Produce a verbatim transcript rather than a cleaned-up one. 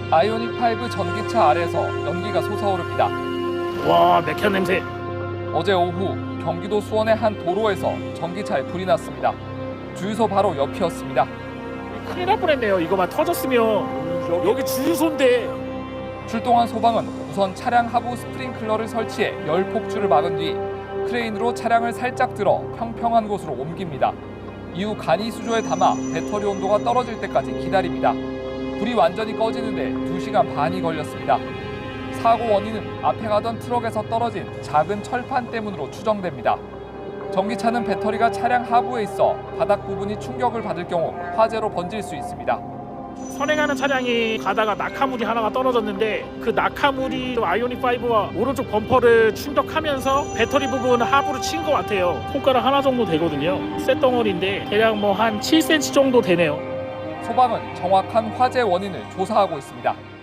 아이오닉 오 전기차 아래에서 연기가 솟아오릅니다. 와, 맥혀 냄새. 어제 오후 경기도 수원의 한 도로에서 전기차에 불이 났습니다. 주유소 바로 옆이었습니다. 큰일 날 뻔했네요. 이거만 터졌으면. 여기 주유소인데. 출동한 소방은 우선 차량 하부 스프링클러를 설치해 열 폭주를 막은 뒤 크레인으로 차량을 살짝 들어 평평한 곳으로 옮깁니다. 이후 간이 수조에 담아 배터리 온도가 떨어질 때까지 기다립니다. 불이 완전히 꺼지는데 두 시간 반이 걸렸습니다. 사고 원인은 앞에 가던 트럭에서 떨어진 작은 철판 때문으로 추정됩니다. 전기차는 배터리가 차량 하부에 있어 바닥 부분이 충격을 받을 경우 화재로 번질 수 있습니다. 선행하는 차량이 가다가 낙하물이 하나가 떨어졌는데 그 낙하물이 아이오닉 오와 오른쪽 범퍼를 충격하면서 배터리 부분 하부를 친 것 같아요. 손가락 하나 정도 되거든요. 쇳덩어리인데 대략 뭐 한 칠 센티미터 정도 되네요. 소방은 정확한 화재 원인을 조사하고 있습니다.